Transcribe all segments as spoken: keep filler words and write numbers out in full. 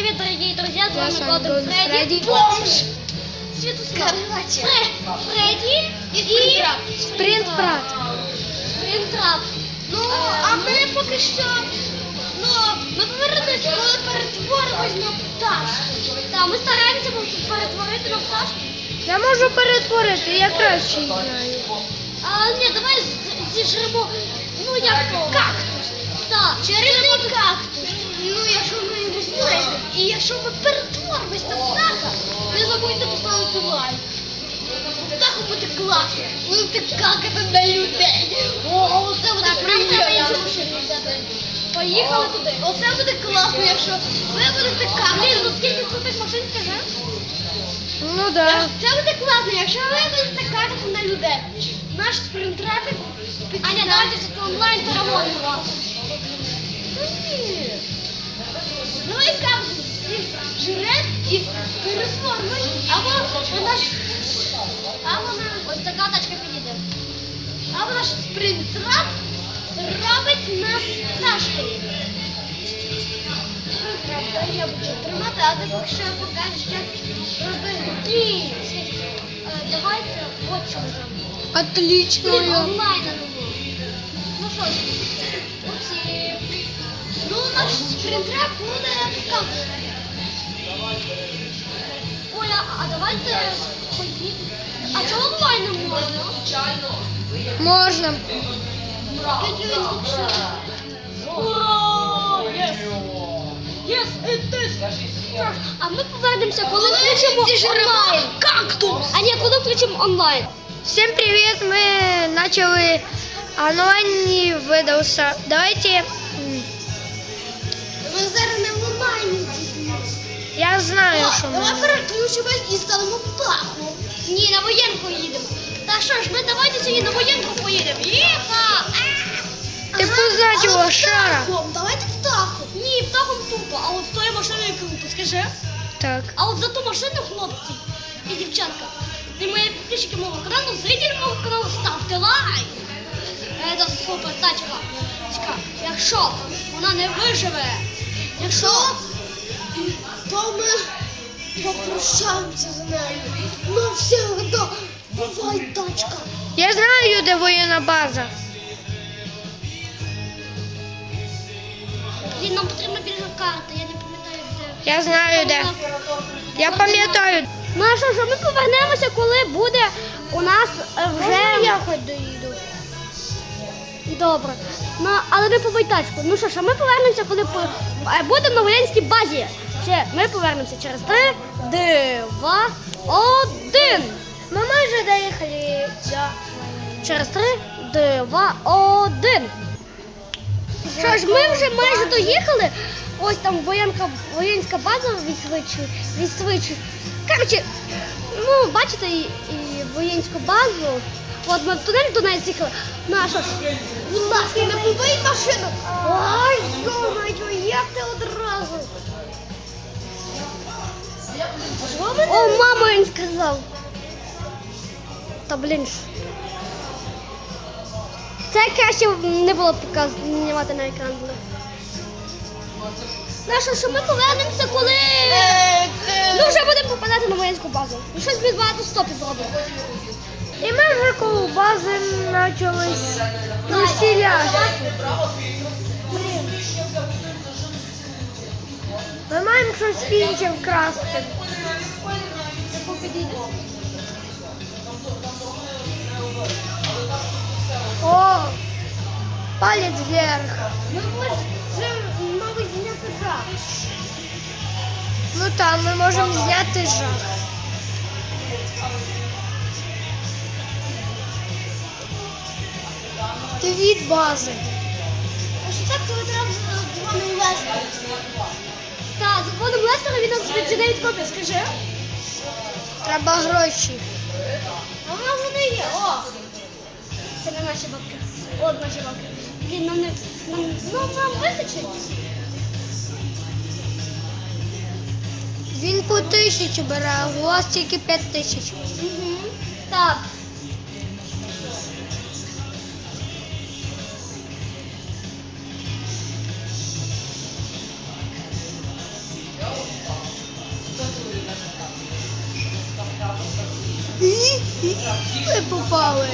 привет, дорогие друзья, с Я вами с вами Golden Golden Фредди, Freddy. бомж, Святослав, Фре- Фредди і Спринт-брат. Спринтрап. Ну, а ми поки що, ну, ми повернемося, коли перетворимось на пташку. Так, ми стараємося перетворити на пташку. Я можу перетворити, я краще її знаю. А, ні, давай з- зіжремо, ну, як то, кактус. Так, чарівний кактус. Ну, якщо ми його знайдемо, і якщо ми перетворимось на птаха, не забудьте поставити лайк. Так буде класно. Будете какати на людей. О, це буде приємно. Поїхали туди. Оце буде класно, якщо ви будете какати. Блін, ну скільки крутих машин, скажи? Ну да. Це буде класно, якщо ви будете какати на людей. Наш спринтрапик підсідає. Аня, давайте все онлайн переводимо вас. Та ні. Давай кактус жре і переформуй, або вона ж... А вона, ось така тачка підійде. А вона ж спринтрап робить нас пташкою. Спринтрап, я буду тримати, а ти поки що покажеш, як робити. Ні, е, давайте от що ми зробимо. Отлично. Блін, онлайн не було. Ну що ж, оці. Ну, наш спринтрап буде показувати. Оля, а давайте поїдемо. А чого онлайн не можна? Можна. Скільки він лучше? Ура! Єс! Єс, it is! А ми повернемося, коли включимо онлайн. Кактус! А ні, коли включимо онлайн. Всем привет, мы начали онлайн выдался. Давайте, м, Ми зараз не в онлайні. я знаю, что Давай мы. переключимось і станемо птахом. Ні, на воєнку їдемо. Та що ж, ми давайте сьогодні на воєнку поїдемо. Єха! Ти познать лошара. Птахом, давайте птахом. Ні, птахом тупо, а от з тою машиною круто, скажи. Так. А от за ту машину, хлопці і дівчатка, і мої підписчики мого каналу, зрителі мого каналу, ставте лайк. Це супер тачка. Тачка. Якщо вона не виживе, якщо, то ми попрощаємося з нею. Ну всегда. Бувай, тачка. Я знаю, де воєнна база. Блін, нам потрібна більше карти, я не пам'ятаю де. Я знаю, де. Я пам'ятаю. Ну а що ж, ми повернемося, коли буде у нас е, вже... Я хоч доїду. Добре. Ну, але не побий тачку. Ну що ж, а ми повернемося, коли по... е, будемо на воєнській базі. Ще ми повернемося через три, два, один. Ми майже доїхали до... Через три, два, один. Що ж, ми вже майже доїхали. Ось там воєнка, воєнська база відсвичує. відсвичує. Коротше, ну, бачите, і, і воєнську базу. От ми в тунель до неї з'їхали. Ну, а що ж? Будь ласка, не побий машину. Ой, йо-моє, як ти одразу. О, мама, він сказав. Та, блін ж. Це краще не було показувати, знімати на екран було. Ну що, що ми повернемося, коли... Ну вже будемо попадати на воєнську базу. Ну щось ми багато стопів робимо. І ми вже коло бази почались весілля. Ми маємо щось інше вкрасти. О, палець вверх. Ми можемо, мабуть, зняти жах. Ну там ми можемо зняти жах. Ти від бази. А що так, коли треба дзвонимо Лестера? Так, дзвонимо Лестера, він нам віджене від копії, скажи. Треба гроші. А вона вже не є, о! Це не наші бабки. От наші бабки. Блін, нам не... Нам, ну, нам вистачить. Він по тисячі бере, а у вас тільки п'ять тисяч. Угу. Так. І ми попали.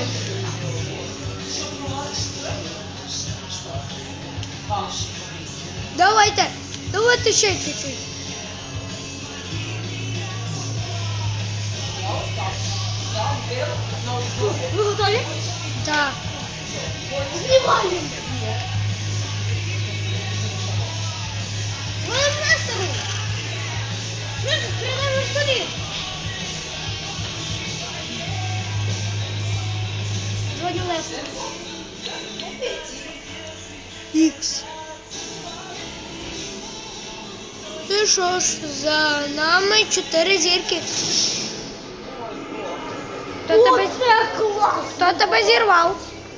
Давайте, давайте ще чуть-чуть. Ви готові? Так. Знімаємо. Ми Нестеру. Швидко, стріляємо в столі. Дзвоню Лестеру. Ікс. Ну що ж, за нами чотири зірки. Хто тебе, це клас! хто тебе зірвав?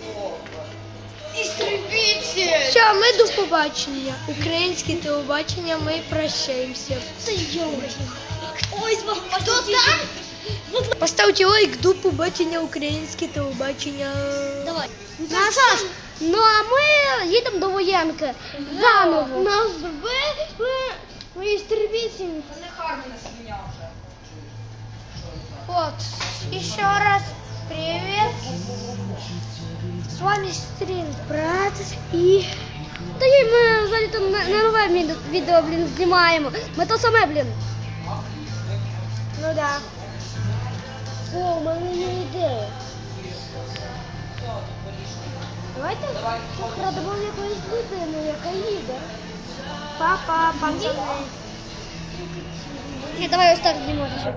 Істребитель! Все, ми до побачення. Українське телебачення, ми прощаємося. Це йой. Ось вам хто там? Поставте лайк, до побачення, українське телебачення. Давай. Ну, Саш, ну а ми їдемо до воєнки. Заново. Нас вбили, ми істребитель. Вот, еще раз привет. С вами Стрінг Брат і... Та й ми взагалі там на, на нове відео- відео, блін, знімаємо. Ми то саме, блін. Ну да. О, у мене є ідея. Давайте вкрадемо якоїсь людину, яка їде. Папа, пацани. Ні, давай ось так знімати.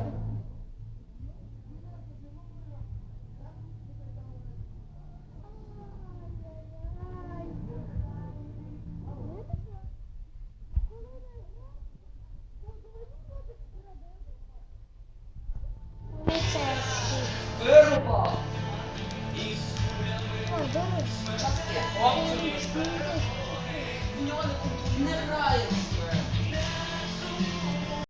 Вирубав! Ой, добре. В нього не грається.